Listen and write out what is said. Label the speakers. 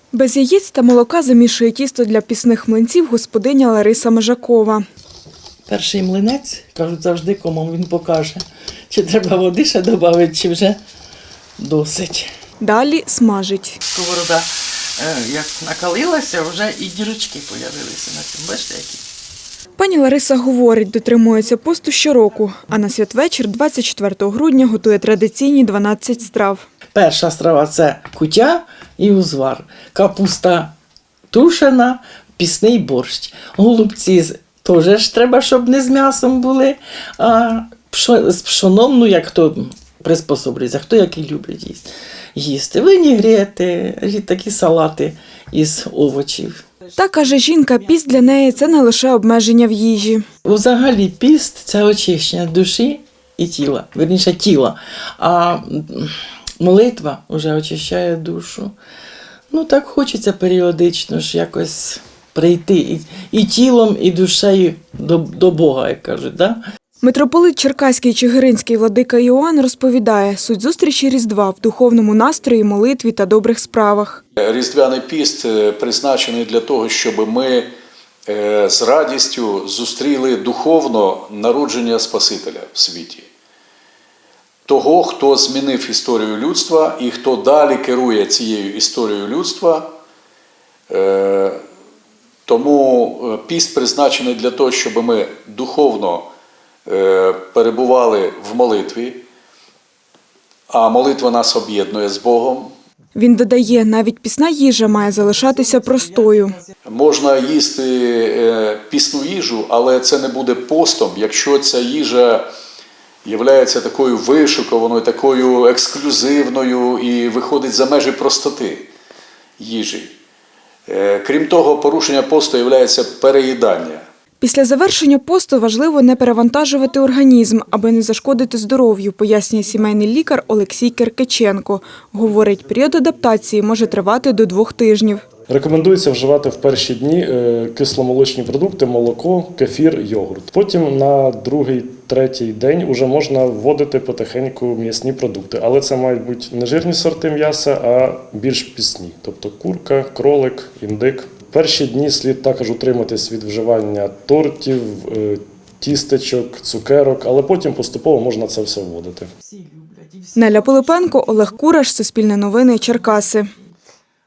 Speaker 1: Без яєць та молока замішує тісто для пісних млинців господиня Лариса Межакова.
Speaker 2: Перший млинець, кажуть, завжди кому він покаже, чи треба води ще додати, чи вже досить.
Speaker 1: Далі смажить.
Speaker 2: Сковорода, як накалилася, вже і дірочки з'явилися на цьому. Бачите, які?
Speaker 1: Пані Лариса говорить, дотримується посту щороку, а на святвечір 24 грудня готує традиційні 12 страв.
Speaker 2: Перша страва – це куття і узвар. Капуста тушена, пісний борщ. Голубці теж ж треба, щоб не з м'ясом були, а з пшоном, ну як хто приспособлюється, хто який любить їсти. Винігрети, такі салати із овочів.
Speaker 1: Та, каже жінка, піст для неї – це не лише обмеження в їжі.
Speaker 2: Взагалі піст – це очищення душі і тіла, вірніше тіла, а молитва вже очищає душу. Ну так хочеться періодично ж якось прийти і тілом, і душею до Бога, як кажуть, да?
Speaker 1: Митрополит Черкаський Чигиринський владика Іоанн розповідає, суть зустрічі Різдва в духовному настрої, молитві та добрих справах.
Speaker 3: Різдвяний піст призначений для того, щоб ми з радістю зустріли духовно народження Спасителя в світі. Того, хто змінив історію людства і хто далі керує цією історією людства. Тому піст призначений для того, щоб ми духовно перебували в молитві, а молитва нас об'єднує з Богом.
Speaker 1: Він додає, навіть пісна їжа має залишатися простою.
Speaker 3: Можна їсти пісну їжу, але це не буде постом, якщо ця їжа є такою вишукованою, такою ексклюзивною і виходить за межі простоти їжі. Крім того, порушення посту є переїдання.
Speaker 1: Після завершення посту важливо не перевантажувати організм, аби не зашкодити здоров'ю, пояснює сімейний лікар Олексій Киркиченко. Говорить, період адаптації може тривати до 2 тижнів.
Speaker 4: Рекомендується вживати в перші дні кисломолочні продукти, молоко, кефір, йогурт. Потім на 2-3 день вже можна вводити потихеньку м'ясні продукти. Але це мають бути не жирні сорти м'яса, а більш пісні. Тобто курка, кролик, індик. Перші дні слід також утриматись від вживання тортів, тістечок, цукерок, але потім поступово можна це все вводити.
Speaker 1: Неля Пилипенко, Олег Кураш, Суспільне новини, Черкаси.